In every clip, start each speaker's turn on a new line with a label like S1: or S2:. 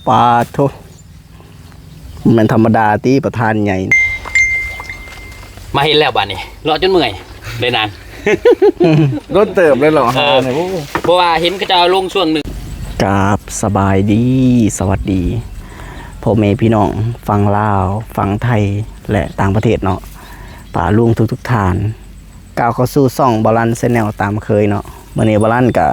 S1: ปาโทมันธรรมดาที่ประธานใหญ่
S2: มาเห็นแล้วบ้านนี้รอจนเมื่อยเลยนาน
S1: รถเติบเลยเหรอ
S2: เพราะว่าเห็นก็จะลงช่วงหนึ่ง
S1: กราบสบายดีสวัสดีพ่อแม่พี่น้องฟังลาวฟังไทยและต่างประเทศเนาะป่าลุงทุกท่านก้าวเข้าสู่ซ่องบาลันเซนแนลตามเคยเนาะเมื่อนี้บาลันก็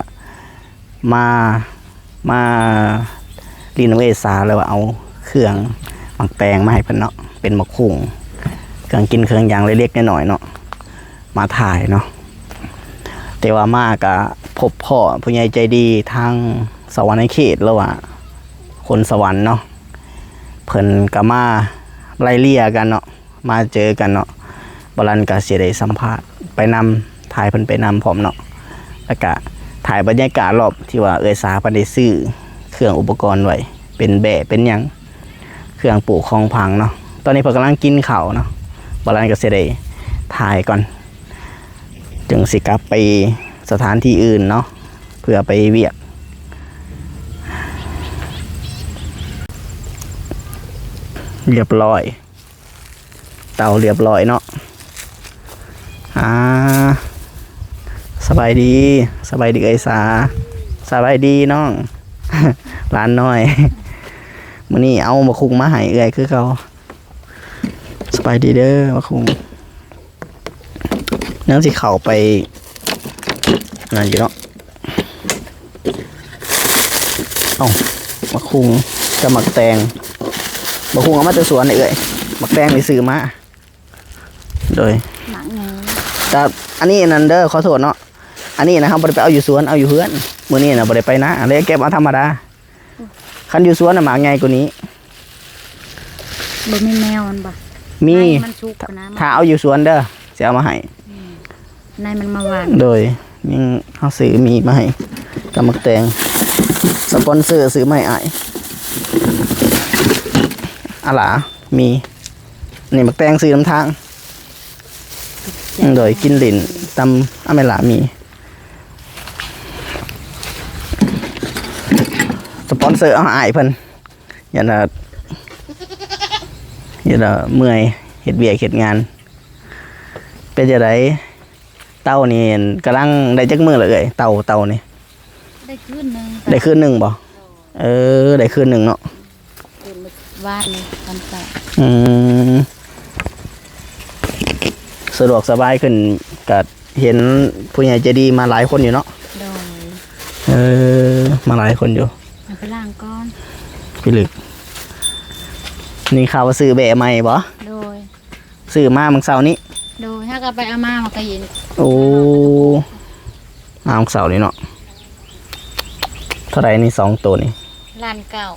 S1: มารีโนเวทซาแล้วว่าเอาเครื่องหมักแตงมาให้เพิ่นเนาะเป็นหมกคุ้งเครื่องกินเครื่องยางเล็กๆน้อยๆเนาะมาถ่ายเนาะแต่ว่ามากะพบพ่อผู้ใหญ่ใจดีทางสวรรค์เขตแล้วว่าคนสวรรค์เนาะเพิ่นก็มาไล่เลี่ยกันเนาะมาเจอกันเนาะบาลันก็สิได้สัมภาษณ์ไปนำถ่ายเพิ่นไปนำพร้อมเนาะแล้วก็ถ่ายบรรยากาศรอบที่ว่าสาเพิ่นได้ซื้อเครื่องอุปกรณ์ไว้เป็นแบะเป็นหยังเครื่องปลูกของพังเนาะตอนนี้เพิ่นกำลังกินข้าวเนาะบาลันก็สิได้ถ่ายก่อนจึงสิกลับไปสถานที่อื่นเนาะเพื่อไปเวียกเรียบร้อยเตาเรียบร้อยเนาะสบายดีเอ้ยสาสบายดีน้อง ร้านน้อยมื้อนี้เอามาคุงมาให้เอ้ยคือเขาสบายดีเด้อมาคุงนั่งสิเข้าไปนั่นอยู่เนาะมาคุงกับหมักแตงมาคุงเอามาจากสวนเอ้ยหมักแตงไปซื้อมาโดยหมักไงแต่อันนี้นันเดอร์ขอโทษเนาะอันนี้นะครับบ่ได้ไปเอาอยู่สวนเอาอยู่เฮือนมื้อนี้นะบ่ได้ไปนะเลยเก็บเอาธรรมดาคันอยู่สวนน่ะหมักไงกว่านี้
S3: บ่มีแมวมันบ่
S1: มี
S3: นะ
S1: ถ้าเอาอยู่สวนเด้อสิเอามาให้
S3: นายมันมาหวาน
S1: โดยยังเฮาซื้อมีมาให้กับหมักแตงสปอนเซอร์ซื้อมาให้อ้ายอะล่ะมีนี่หมักแตงซื้อน้ำทางโดยกินลิ้นตำอเมล่ามีสปอนเซอร์เอาอ้ายเพิ่นอย่าเมื่อยเฮ็ดเวียกเฮ็ดงานเป็นจังไดเต่านี่กำลังได้จักมื้อแล้วเอ้ยเต่านี่
S3: ได้คืนนึง
S1: ได้คืนนึงบ่ได้คืนนึงเนาะ
S3: วาดเลยตอนต่อ
S1: สะดวกสบายขึ้นก็เห็นผู้ใหญ่ใจดีมาหลายคนอยู่เนาะมาหลายคนอยู่
S3: ไปล้างก้อน
S1: พี่ลึกนี่ข่าวว่าซื้อแบะใหม่บ่
S3: โดย
S1: ซื้อมาเมื่อเช้านี้
S3: โดยถ้าก็ไปเอามาก็เห็น
S1: โอ้มาเมื่อเช้านี้เนาะเท่าไหร่นี่2ตัวนี่
S3: ล้านเก้า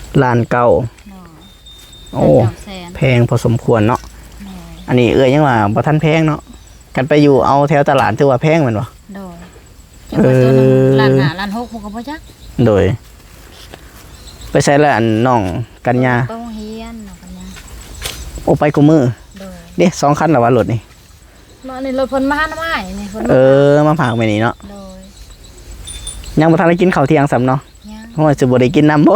S1: โอ้แพงพอสมควรเนาะอันนี้ยังว่าบ่ทันแพงเนาะกันไปอยู่เอาแถวตลาดถือว่าแพงแม่นบ่
S3: โดยล้าน5ล้าน6ผมก็บ่จัก
S1: โดยไปใช้แล้วอันน้องกัญญา
S3: ไปโรงเรียนน้องกัญญา
S1: โอ้ไปกูมือเด้2คันแล้วว่ารถนี่
S3: มานี่รถเพิ่นมาหาหน่อไม้นี่เพิ่
S1: นมาฝากไว้นี่เนาะ
S3: โดย
S1: ยังบ่ทันได้กินข้าวเที่ยงซ้ำเนาะเพราะว่าสิบ่ได้กินน้ำบ่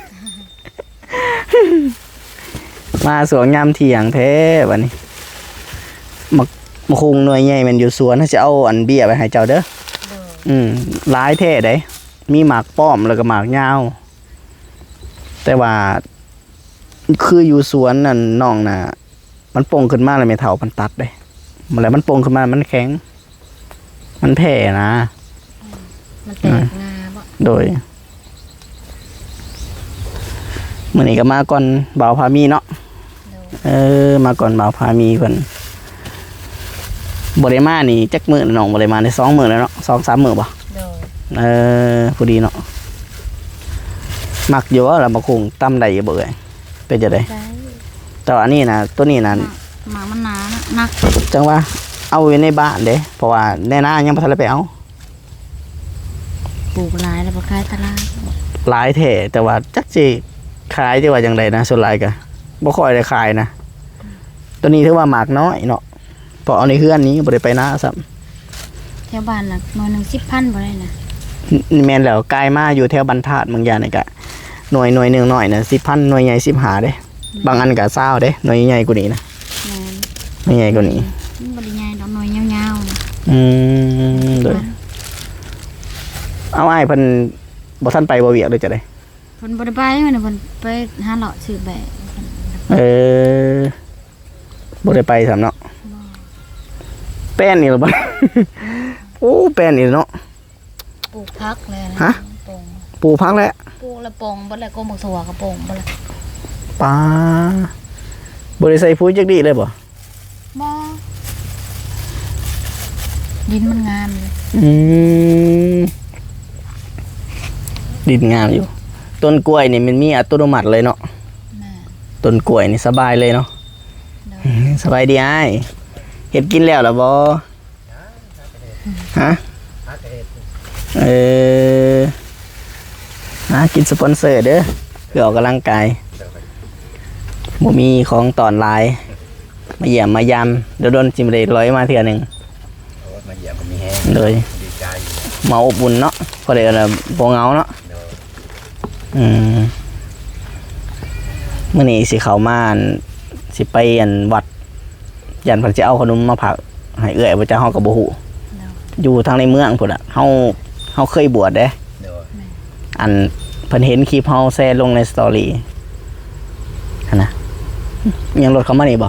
S1: มาสวนยามเที่ยงแท้บัดนี้มาคุงหน่วยใหญ่มันอยู่สวนถ้าจะเอาอันเบี้ยไปให้เจ้าเด้อหลายแท้ได้มีหมากป้อมแล้วก็หมากยาวแต่ว่าคืออยู่สวนนั่นน้องน่ะมันป่งขึ้นมาเลยไม่เท่ามันตัดได้มันแล้วมันป่งขึ้นมามันแข็งมันแผ่นะ
S3: มันแตกงาบ่
S1: โดยมื้อนี้ก็มาก่อนบ่าวพามีเนาะมาก่อนบ่าวพามีเพิ่นบ่ได้มานี่จักมื้อน้องบ่ได้มาได้2มื้อแล้วเนาะ2-3 มื้อบ่ผู้ดีเนาะมักอยู่ว่าล่ะบ่คงตำได้อยู่บ่เอ้ยเป็นจังได๋แต่อันนี้นะตัวนี้น่ะ
S3: หมามันหนานัก
S1: จังว่าเอาไว้ในบ้านเด้เพราะว่าในนายังบ่ทันได้ไปเอา
S3: ปลูกหลายแล้วบ่ขายตลาด
S1: หลายแท้แต่ว่าจักสิขายจังว่าจังได๋นะส่วนหลายก็บ่ค่อยได้ขายนะตัวนี้ถือว่าหมากน้อยเนาะพอเอาในเฮือนนี้บ่ได้ไปนาซ้ำ
S3: แถวบ้านน่ะมื้อนึง 10,000บ่ได้นะ
S1: แม่นแล้วกลายมาอยู่แถวบรรทัดบางอย่างนี่ก็หน่วยหนึ่งหน่อยนะ10,000หน่วยใหญ่15เด้บางอันก็20เด้หน่วยใหญ่กว่านี้นะ
S3: แม่น
S1: หน่วยใหญ่กว่านี้
S3: มันบ่ได้ใหญ่ดอกน้อยยาวๆนะ
S1: โดยเอาอ้ายเพิ่นบ่ทันไปบ่เวียกเลยจะได้
S3: เพิ่นบ่ได้ไปมันน่ะเพิ่นไปหาเลาะซื้อแบะ
S1: บ่ได้ไปสำเนาะแป้นนี่เหรอบ่ โอ้แป้นนี่เนาะ
S3: ปลูกผักเลยนะ
S1: ฮะ
S3: ปลูก
S1: ปลูกพักแล้ว
S3: ปลูกละปงบ่แล้วก็บักสวากระปงบ่แล้ว
S1: ปลาบ่ได้ใส่ปุ๋ยจักดีเลยบ่
S3: บ่ดินมันงามเลย
S1: ดินงามอยู่ ต้นกล้วยนี่มันมีอัตโนมัติเลยเนาะ
S3: แม่
S1: ต้นกล้วยนี่สบายเลยเนาะ
S3: เด้อ
S1: สบายดีอ้ายเฮ็ดกินแล้วล่ะบ่ฮะหากินสปอนเซอร์เด้อเพื่อออกกำลังกายบ่มีของตอนหลาย มาเยี่ยมมายามเดี๋ยวโดนจิมได้ร้อยมาเทื่อหนึง
S2: มาเหยียบมันมีแห้ง
S1: เลย
S2: ดีใจ
S1: มาอบอุ่นเนาะพอได้ละบ่เหงาเนาะมื้อนี้สิเข้ามาอั่นสิไปอันวัดยันเพิ่นสิเอาขนมมาฝากให้เอื้อยบ่จ้าเฮาก็บ่ฮู้
S3: เด้อ
S1: อยู่ทางในเมืองพุ่นน่ะเฮาเคยบวชเด้
S2: เดี๋ยว
S1: อันเพิ่นเห็นคลิปเฮาแชร์ลงในสตอรี่หั่นน่ะยังรถเข้ามานี่บ่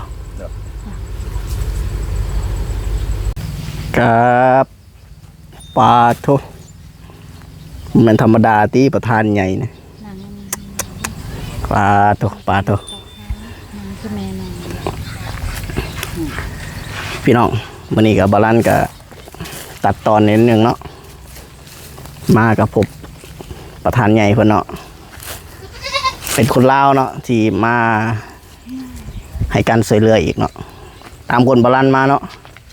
S1: ครับปาโทมันธรรมดาที่ประธานใหญ่นะ
S3: นั่ง
S1: ปาโท
S3: นั่งคือแม่นั่ง
S1: พี่น้องวันนี้กับบาลานกับตัดตอนนิดนึงเนาะมากับผมประธานใหญ่เพิ่นเนาะเป็นคนลาวเนาะที่มาให้การช่วยเหลืออีกเนาะตามคนบาลานมาเนาะ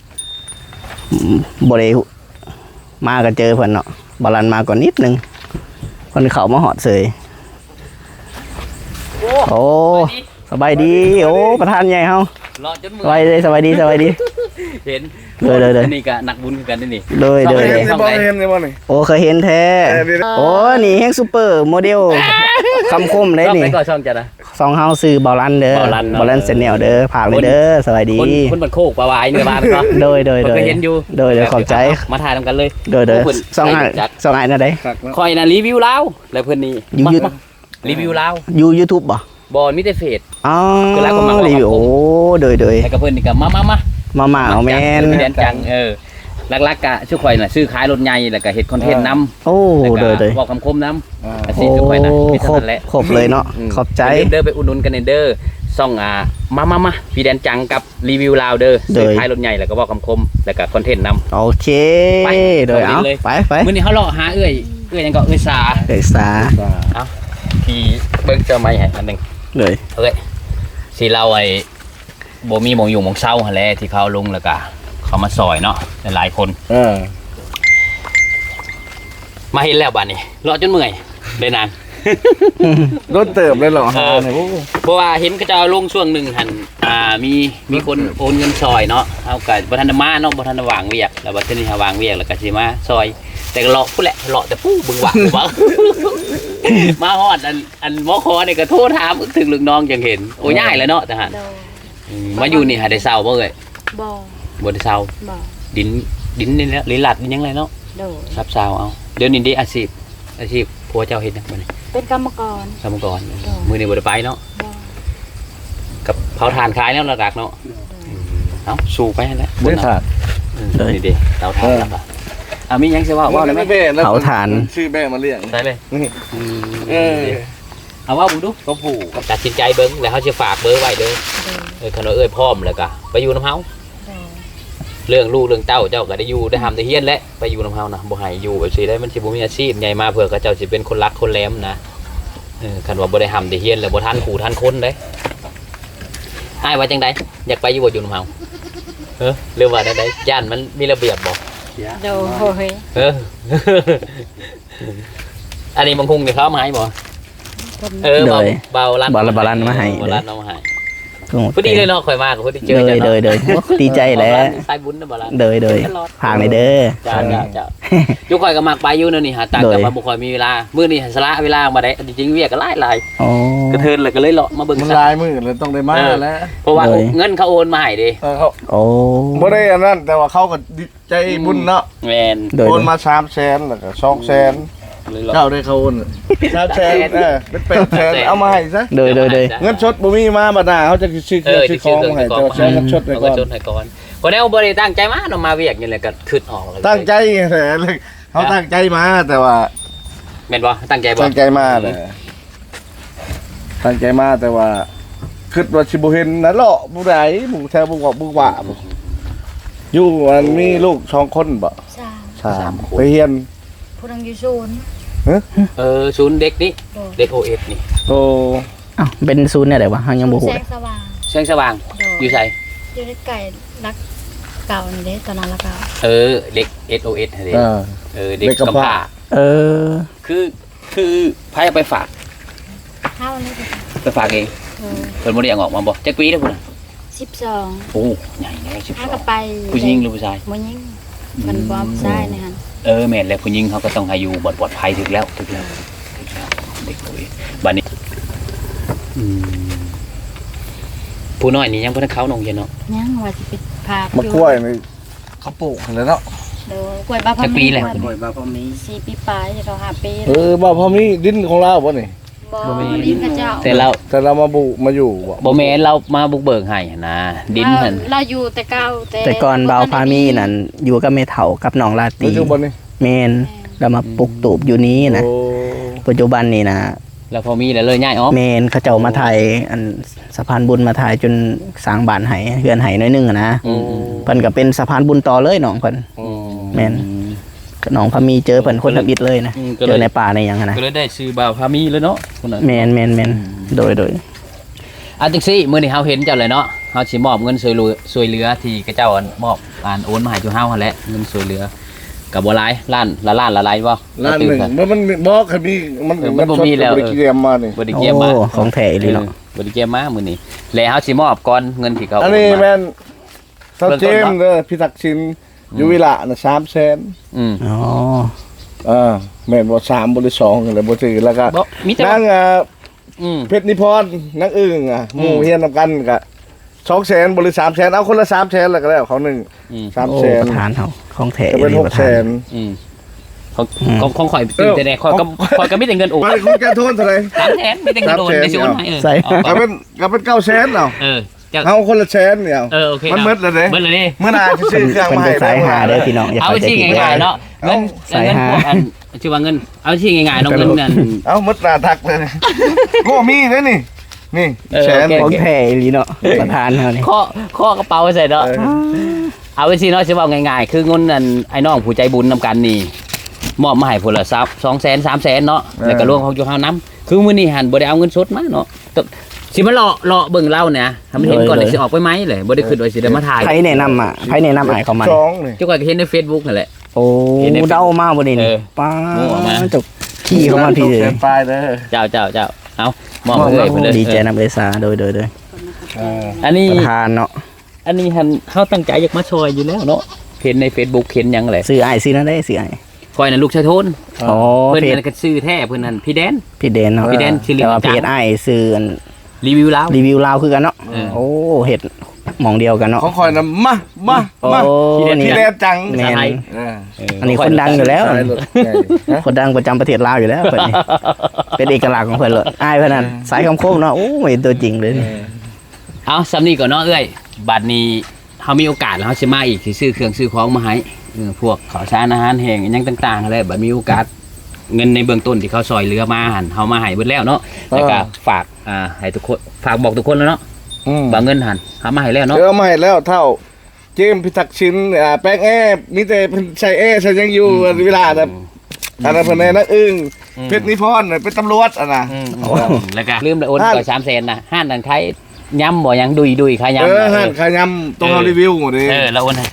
S1: บ่ได้มาก็เจอเพิ่นเนาะบาลานมาก่อนนิดนึงเพิ่นเข้ามาหอดเสยโอ้สบายดีโอ้ประธานใหญ่เฮา
S2: เลาะจน
S1: ส
S2: เมื่อบ
S1: าย ยดีสบายดีสบายดี
S2: เห็น
S1: เลย
S2: นี่ก็นักบุญคือกันนี่
S1: เลย
S2: ช่อง
S1: เลย
S2: ไหน
S1: เลย
S2: ช่องไหน
S1: โอ้เคยเห็นแท้โอ้นี่แฮงซูเปอร์โมเดลคำคมได้
S2: ช่อง
S1: นี่
S2: ไหนก่อนช่องจะนะ
S1: สองเฮาซื้อบอลลันเด้อ
S2: บ่อลันเนาะ
S1: บอลลันเซนเนลเด้อผ่านเลยเด้อสวัสดี
S2: คนบันโคกปลาวายเนื้อบ้านเนาะ
S1: โดย
S2: ผมก็เห็นอยู่
S1: โดยขอบใจ
S2: มาถ่ายทำกันเลย
S1: โดย
S2: โอ้เพิ่น
S1: สองอัน
S2: จัด
S1: สองอันนะได้
S2: คอยนะรีวิวลาวแล้วเพิ่นนี่
S1: อยู่
S2: มารีวิวลาว
S1: อยู่ YouTube บ่
S2: บอลมิเตเฟส
S1: อ๋อ
S2: คือแล้วก็มา
S1: รีวิวโอ้โดย
S2: แล้วก็เพิ่นนี่ก็มา
S1: เอาแม่น
S2: เรียนจังลักๆกะชื่อข่อยน่ะซื้อขายรถใหญ่แล้วก็เฮ็ดคอนเทนต์นำ
S1: โอ้โดย
S2: บอกคำคมนำอาชี
S1: โอ้
S2: พชื่อข่อยน่ะมี
S1: คร
S2: เท่า
S1: บ
S2: นั้นแหละ
S1: ครบเลยเนาะขอบใจ
S2: เด้อไปอุดหนุนกันเด้อซ่องมาพี่แดนจังกับรีวิวลาวเด้อ
S1: เด้
S2: ซื้
S1: อ
S2: อขายรถใหญ่แล้วก็บอกคำคมแล้วก็คอนเทนต์นำ
S1: โอเค
S2: ไป
S1: โดยเอา
S2: เลย
S1: ไป
S2: มื้อนี้เฮาเลาะหาเอ้ยยังก็เอ้ยสา
S1: เดยสา
S2: ที่เบิ่งเจอไม้ให้อันหนึง
S1: เลย
S2: เอ้ยสิเราไอ้บ่มีหมองอยู่หมองเศร้าหั่นแหละที่เขาลงแล้วก็เขามาซอยเนาะหลายๆคนมาเห็นแล้วบัดนี้รอจนเมื่อยได้นาน
S4: รถเติบเลยเหรอ
S2: เพราะว่าเห็นเขาจะเอาลงช่วงหนึ่งหันมีคนโอนเงินซอยเนาะเอากับบัทันมาเนาะบัทันวางเวียกแล้วบัทันนี้วางเวียกแล้วก็สิมาซอย แต่ก็เลาะผู้แหละเลาะแต่ผู้บึงหวังบ่ มาฮอดอันหมอคอนี่ก็โทรถามถึงลูกน้องจังเห็นโอ้ยง่ายแล้วเนาะแต่ฮะ
S3: โดย
S2: มาอยู่นี่หาได้เศร้าบ่เอ้ย
S3: บ่
S2: บ่ได้เศร้า
S3: บ่
S2: ดินนี่แหละลิลัดนี่ยังไงเนาะ
S3: โดย
S2: ซับเศร้าเอาเดี๋ยวนี้ได้อาชีพผัวเจ้าเฮ็ดหยังบ่นี่
S3: เป็นกรรมกร
S2: สมัยก่อนมื้อนี้บ่ได้ไปเนาะ
S3: บ่
S2: กับเผาถ่านขายแล้วหลักๆเนาะเอาสู้ไปนั่นแหละ
S4: ไม่ขาด
S2: นี่ดิเตาถ่านแล้วก็มีหยังสิว่าได้ไหม
S1: เผาถ่าน
S4: ชื่อแม่มาเรียก
S2: ได้เลย
S4: เออ
S2: เอาว่าบุดู
S4: ก็ผูก
S2: ตัดสินใจเบิ่งแล้วเขาสิฝากเบอร์ไว้เด้อ
S3: โดย
S2: คันว่าพร้อมแล้วก็ไปอยู่น้ำเฮา
S3: โดย
S2: เรื่องลูกเรื่องเต้าเจ้าก็ได้อยู่ได้ทำได้เฮียนและไปอยู่น้ำเฮานะบ่ให้อยู่แบบสิได้มันสิบ่มีอาชีพใหญ่มาเผื่อเขาเจ้าสิเป็นคนรักคนแหลมนะคันว่าบ่ได้ทำได้เฮียนแล้วบ่ทันขู่ทันคนเด้อ้ายว่าจังไดอยากไปอยู่บ่อยู่น้ำเฮาหรือว่าจังไดย่านมันมีระเบียบบ่
S3: โดย
S2: อันนี้บางคุงเนี่ยเขาเอามาให้บ่
S3: คน
S2: เบาลัน
S1: บาลันมาให้
S2: บาลันเอามาให้
S1: กุ้งหมก
S2: พอ
S1: แต
S2: ดี
S1: ง
S2: เลยเนาะข่อยมากับพอดีเจอ
S1: เลย
S2: จ้ะ
S1: เลยเลยดีใจแหล้ว
S2: สายบุญนะบ่ล่ะ
S1: เลยผางในเด้อ
S2: จ้ายุคข่อยก็มักไปอยู่นั่นนี่หาตังค์แต่ว่าบ่ค่อยมีเวลามื้อนี้สละเวลามาได้จริงๆเวียกก็หลาย
S1: โอ้
S2: กระเทินเลยก็เลยเลาะมาเบิ่ง
S4: มัน
S2: ซะ
S4: ลายมือเลยต้องได้มาแล้ว
S2: เพราะว่าเงินเขาโอนมาให้เด้
S4: เขา
S1: โอ้
S4: บ่ได้อันนั้นแต่ว่าเขาก็ดีใจบุญเนาะ
S2: แม่น
S1: โดย
S4: โอนมา300,000แล้วก็200,000
S2: เลยเลาะ
S4: เจ้าได้เขาโอน300,000เป็น800,000เอามาให้ซะ
S1: โดย
S4: เงินสดบ่มีมาบัดหน้าเขาจะซื้อเครื่องซื้อของมาให้แต่ว่าใช้เงินสดไปก่อน
S2: เงินสดให้ก่อนบ่ได้บ่ได้ตั้งใจมาเนาะมาเวียกนี่แหละก็คิดออกเลย
S4: ตั้งใจแหละเลยเขาตั้งใจมาแต่ว่า
S2: แม่นบ่ตั้งใจบ่
S4: ตั้งใจมาเลยตั้งใจมาแต่ว่าคิดว่าสิบ่เห็นนะเลาะผู้ใดหมู่แถวบ่ว่าบ่ว่าบ่อยู่มันมีลูก2คนบ่
S3: สาม
S4: 3ไปเรียน
S3: ผู้นังอยู่ศูนย์
S2: ศูนย์เด็กนี่
S3: โดย
S2: เด็ก OS นี่
S4: โต
S1: อ้าวเป็นศูนย์เนี่ยไหนวะเฮายังบ่ฮู้
S3: แสงสว่าง
S2: แสงสว่าง
S3: โดย
S2: อยู่ไส
S3: อยู่ในไก่รักเก่านี่เด้ตอนนั้นละเก่า
S2: เด็ก SOS เด้ เด็ก
S4: เด็กกำ
S2: กำ
S4: พร้า
S2: พร้า
S1: เออ
S2: คือไผเอาไปฝาก
S3: เท่านี้ก็
S2: ไปฝากเอง เพิ่นบ่ได้เอาออกมาบ่จักปีเด้อพุ่นน่ะ
S3: 12
S2: โอ้ใหญ่แน่
S3: ถ้าก็ไป
S2: 12ผู้หญิงหรือผู้ชาย
S3: บ่ยิงมันบ่ใช่นะฮะ
S2: แม่นแล้วผู้หญิงเขาก็ต้องให้อยู่ปลอดภัยถึกแล้วเด็ก OS บัดนี้ผู้น้อยนี่ยังบ่ทันเข้าโรงเรียนเนาะ
S3: ยังว่าสิไปพา
S4: มะกล้วยนี่เขาปลูกแล้วเนาะ
S3: โดยกล้วยบ้าพ
S2: จักปีแล้ว
S1: บ่อยบ่พอมี
S3: 4 ปีปลายเขา5 ปี
S4: บ่พอมีดินของเราบ่นี่
S3: บ่ดินกระเจ้า
S2: แต่เรา
S4: แต่เรามาอยู่บ่
S2: บ่แม่นเรามาบุกเบิกให้หั่นนะดินหั่น
S3: เราอยู่แต่เก่า
S1: แต่ก่อนเบาพามีนั่นอยู่กับแม่เฒ่ากับน้องลาตรี
S4: ปัจจุบันนี่
S1: แม่นแล้วมาปลูกตูบอยู่นี้นะ
S4: โอ้
S1: ปัจจุบันนี่นะ
S2: แล้วพอมีแล้วเลยย้ายออก
S1: แม่นเขาเจ้ามาถ่ายอันสะพานบุญมาถ่ายจนสร้างบ้านให้เฮือนให้น้อยหนึงอะนะ
S2: อืม
S1: เพิ่นก็เป็นสะพานบุญต่อเลยน้องเพิ่น แม่น ก็น้องพามีเจอเพิ่นคนทับอิดเลยนะเจอในป่าในหยังอะนะ
S2: ก็เลยได้ซื้อบ่าวพามีเลยเนาะคนนั้น
S1: แม่นโดย
S2: จังซี่มื้อนี้เฮาเห็นเจ้าเลยเนาะเฮาสิมอบเงินช่วยเหลือที่กระเจ้าอันมอบโอนมาให้จุเฮาหั่นแหละเงินช่วยเหลือก็บ่หลายล้านละล้านละหลายบ่
S4: ล้านหนึ่งมันบอกคันนี้มัน
S2: มันบ่มีแล้ว
S4: บริเกียมมานี่
S2: บ่ได้
S1: โอ้
S2: เก็บมา
S1: ของแท้อีหลีเนาะ
S2: บ่ได้เก็บมามื้อนี้แล้วเฮาสิมอบก่อนเงินที่เขา
S4: อันนี้
S2: โมา
S4: แม่นเซาเจมส์เด้อพี่ศักดิ์ชินอยู่วิละน่ะ300,000
S2: อืม
S1: อ๋อ
S4: แม่นบ่3บ่หรือ2กันเลยบ่ถือแล้วก็
S2: บ่มีแต่
S4: นาง
S2: อืม
S4: เพชรนิพรนางอึ้งหมู่เฮียนนำกันก็200,000บ่หรือ300,000เอาคนละ300,000แล้วก็แล้วเขาหนึง
S2: อืม
S1: โอ้
S4: 300,000
S1: ประธานเฮาของแท้
S4: ก็
S1: อี
S4: เป็น
S1: หลีประธาน
S4: 600,000
S2: อืมของข่อยตื่นแต่แน่ข่อยก็มีแต่เงินโอน
S4: ไปคุณแกโทษเท่าไหร่
S2: 300,000มีแต่เงินโอนในสิโอนให้
S4: ก็เป็น900,000เอา
S2: เจ้า
S4: เอาคนละแสนเนี่ย
S2: โอเค
S4: มันหมดแล้วเด้
S2: เบิดเลยดิ
S4: เมื่อหนาจะซื้อเครื่อง
S1: เพิ่น
S4: มา
S1: เป็
S4: ให้
S1: นสายหาเด้อพี่น้องอย่า
S2: เอา
S1: เข้าใจ
S2: ที่
S1: ผิด
S2: ง่ายๆเนาะเงิน
S1: สาย
S2: เงิน
S1: หา
S2: พวกอันชื่อว่าเงินเอาที่ง่ายๆเนาะเงินนั่น
S4: เอาหมดหนาทักเลยโง่มีเลยนี่แสน
S1: ของแท้อีหลีเนาะประธานเฮานี่
S2: ข้อกระเป๋าใส่เนาะเอาไปสิเนาะสิว่าง่ายๆคือเงินนั่นไอ้น้องผู้ใจบุญนำกันนี่มอบมาให้พุ่นละ200,000 300,000เนาะแล้วก็รวมของอยู่เฮานำคือมื้อนี้หันบ่ได้เอาเงินสดมาเนาะสิมาเลาะเบิ่งเล่าเนี่ยทำเห็นก่อนเลยสิออกไปไหมเลยบ่ได้คิดว่าสิได้มาถ่าย
S1: ไผแนะนำอ่ะไผแนะนำอ้ายเขามา
S4: สองนี่
S2: เจ้าก็เห็นใน Facebook นั่นแหละ
S1: โอ้
S2: เห็นใน
S1: เดามาบ่นี่
S2: เอ
S1: นี่
S2: อ
S1: ป้า
S2: มั่วมา
S1: จกขี้เข้ามาพี่
S4: แส
S1: เลย
S4: นปลายเด้อ
S2: เจ้าเอามอบให้เพิ่นเลย
S1: ดีใจนำเอซาโดย
S2: อันนี้
S1: ประธานเนาะ
S2: อันนี้หันเขาตั้งใจอยากมาช่วยอยู่แล้วเนาะเห็นใน Facebook เห็นหยังแหละ
S1: ซื้ออ้ายซื้อนั่นได้ซื้ออ้าย
S2: คอยน่ะลูกชายโทน
S1: อ๋อ
S2: เพิ่น
S1: เพจ
S2: นั่นก็ชื่อแท้เพิ่นนั่นพี่แดน
S1: พี่เดนเนาะ
S2: พี่แดนชื่อเล่น
S1: แต่ว่าเพ
S2: จั
S1: จ
S2: ง
S1: อ้ายซื้ออัน
S2: รีวิวแล้ว
S1: รีวิวลาวคือกันเนาะ
S2: เออ
S1: โอ้เฮ็ดหม่องเดียวกันเนาะ
S4: ของคอยนะมา
S1: โอ้
S4: พี่
S1: นี่
S4: แดนจัง
S1: แม่น
S4: เออ
S1: อันนี้คนดังอยู่แล้ว
S4: สายรถใหญ่ฮะ
S1: คนดังประจำประเทศลาวอยู่แล้วเพิ่นนี่เป็นเอกลักษณ์ของเพิ่นเลยอ้ายเพิ่นนั่นสายคำโค้งเนาะโอ้ยตัวจริงเลยนี่
S2: เอาสำนี้ก่อนเนาะเอ้ยบัดนี้เฮามีโอกาสแล้วเฮาสิมาอีกสิซื้อเครื่องซื้อของมาให้พวกข้าวสารอาหารแห้งอิหยังต่างๆอะไรบัดมีโอกาสเงินในเบื้องต้นที่เขาซอยเหลือมาหั่นเฮามาให้เบิดแล้วเนาะแล้วก็ฝากให้ทุกคนฝากบอกทุกคนแล้วเนาะ บางเงินหันหามาให้แล้วเนาะ
S4: เออมาให้แล้วเท่าเจมส์พิทักษ์ชินแป้งแอ้มีแต่เพิ่นใช้แอ้ใช้ยังอยู่เวลาแบบอันนั้นเพิ่นนักอึ้งเพชรนิพนธ์เป็นตำรวจอ่ะนะ
S2: แล้วก็ลืมเลยโอนก่อน300,000นะห้านนั่นใครย้ำบ่ยังดุยใครย้ำ
S4: ห้านขายำต้องเอารีวิวหมดเลย
S2: เราโอนให้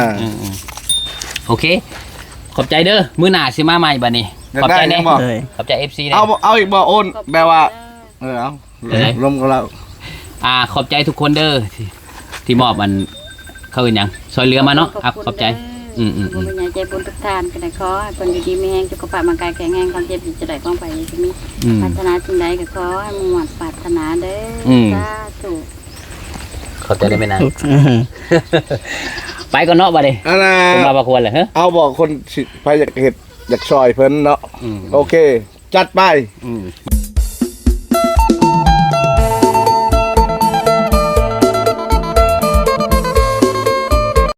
S2: 300,000โอเคขอบใจเด้อมื้อหน้าสิมาใหม่บัดนี้ขอบใจแน่
S1: เลย
S2: ขอบใจ FC แน่
S4: เอาอีกบ่โอนแบบว่าเอาลมกับเรา
S2: ขอบใจทุกคนเด้อที่มอบมันเขาเป็นหยังซอยเรือมาเนาะขอบใจ
S3: บุญใหญ่ใจบุญทุกท่านก็ได้ขอให้คนอยู่ดีมีแห้งสุขภาพร่างกายแข็งแรงความเจ็บจะได้ป้องไปจะมีปรารถนาสิ่งใดก็ขอให้มุ่งมั่นปรารถนาเด้อสาธุ
S2: ขอบใจได้ไหมนะ ไปก่อนเนาะบัดนี้
S4: อันน่ะ
S2: ผมมาประควรเลยฮะ
S4: เอาบอกคนสิไปอยากเห็ดอยากซอยเพิ่นเนาะโอเค จัดไป
S2: อืม